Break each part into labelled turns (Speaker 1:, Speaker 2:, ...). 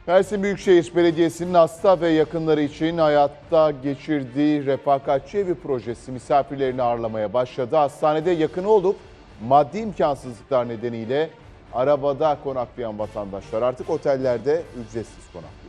Speaker 1: Mersin Büyükşehir Belediyesi'nin hasta ve yakınları için hayatta geçirdiği refakatçi evi projesi misafirlerini ağırlamaya başladı. Hastanede yakını olup maddi imkansızlıklar nedeniyle arabada konaklayan vatandaşlar artık otellerde ücretsiz konaklıyor.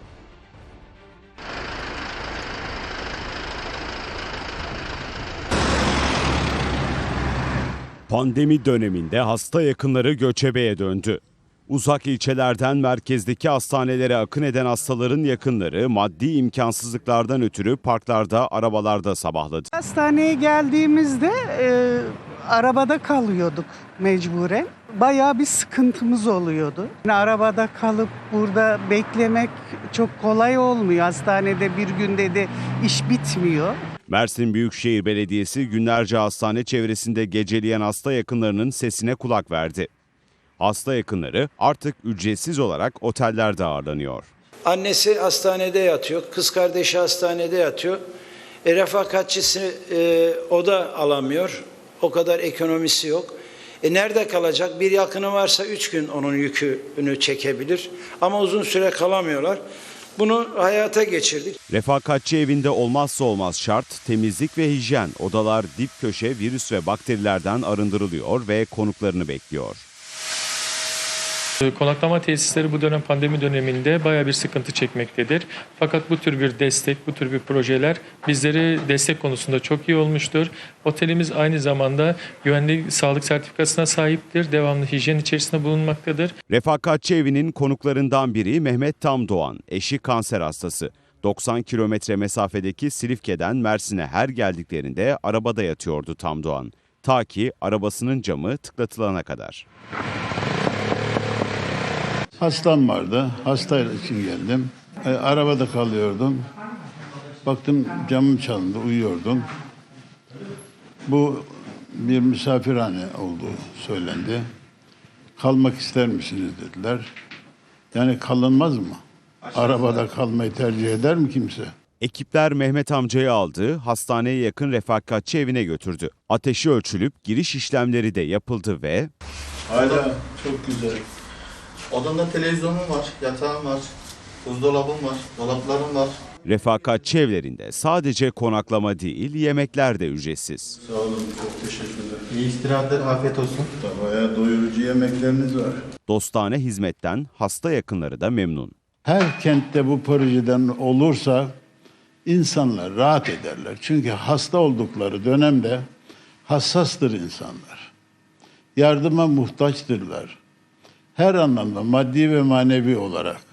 Speaker 2: Pandemi döneminde hasta yakınları göçebeye döndü. Uzak ilçelerden merkezdeki hastanelere akın eden hastaların yakınları maddi imkansızlıklardan ötürü parklarda, arabalarda sabahladı.
Speaker 3: Hastaneye geldiğimizde arabada kalıyorduk mecburen. Bayağı bir sıkıntımız oluyordu. Yani arabada kalıp burada beklemek çok kolay olmuyor. Hastanede bir günde de iş bitmiyor.
Speaker 2: Mersin Büyükşehir Belediyesi günlerce hastane çevresinde geceleyen hasta yakınlarının sesine kulak verdi. Hasta yakınları artık ücretsiz olarak otellerde ağırlanıyor.
Speaker 4: Annesi hastanede yatıyor, kız kardeşi hastanede yatıyor. Refakatçisi o da alamıyor, o kadar ekonomisi yok. Nerede kalacak? Bir yakını varsa 3 gün onun yükünü çekebilir ama uzun süre kalamıyorlar. Bunu hayata geçirdik.
Speaker 2: Refakatçi evinde olmazsa olmaz şart temizlik ve hijyen. Odalar dip köşe virüs ve bakterilerden arındırılıyor ve konuklarını bekliyor.
Speaker 5: Konaklama tesisleri bu dönem pandemi döneminde bayağı bir sıkıntı çekmektedir. Fakat bu tür bir destek, bu tür bir projeler bizlere destek konusunda çok iyi olmuştur. Otelimiz aynı zamanda güvenlik sağlık sertifikasına sahiptir. Devamlı hijyen içerisinde bulunmaktadır.
Speaker 2: Refakatçi evinin konuklarından biri Mehmet Tamdoğan, eşi kanser hastası. 90 kilometre mesafedeki Silifke'den Mersin'e her geldiklerinde arabada yatıyordu Tamdoğan. Ta ki arabasının camı tıklatılana kadar.
Speaker 6: Hastam vardı. Hasta için geldim. Arabada kalıyordum. Baktım camım çalındı. Uyuyordum. Bu bir misafirhane olduğu söylendi. Kalmak ister misiniz dediler. Yani kalınmaz mı? Arabada kalmayı tercih eder mi kimse?
Speaker 2: Ekipler Mehmet amcayı aldı, hastaneye yakın refakatçi evine götürdü. Ateşi ölçülüp giriş işlemleri de yapıldı ve...
Speaker 6: Hala çok güzel.
Speaker 7: Odamda televizyonum var, yatağım var, buzdolabım var, dolaplarım var.
Speaker 2: Refakatçi evlerinde sadece konaklama değil, yemekler de ücretsiz.
Speaker 6: Sağ olun, çok teşekkür ederim.
Speaker 7: İyi istirahatler, afiyet olsun.
Speaker 6: Bayağı doyurucu yemekleriniz var.
Speaker 2: Dostane hizmetten hasta yakınları da memnun.
Speaker 6: Her kentte bu projeden olursa insanlar rahat ederler. Çünkü hasta oldukları dönemde hassastır insanlar. Yardıma muhtaçtırlar. Her anlamda maddi ve manevi olarak.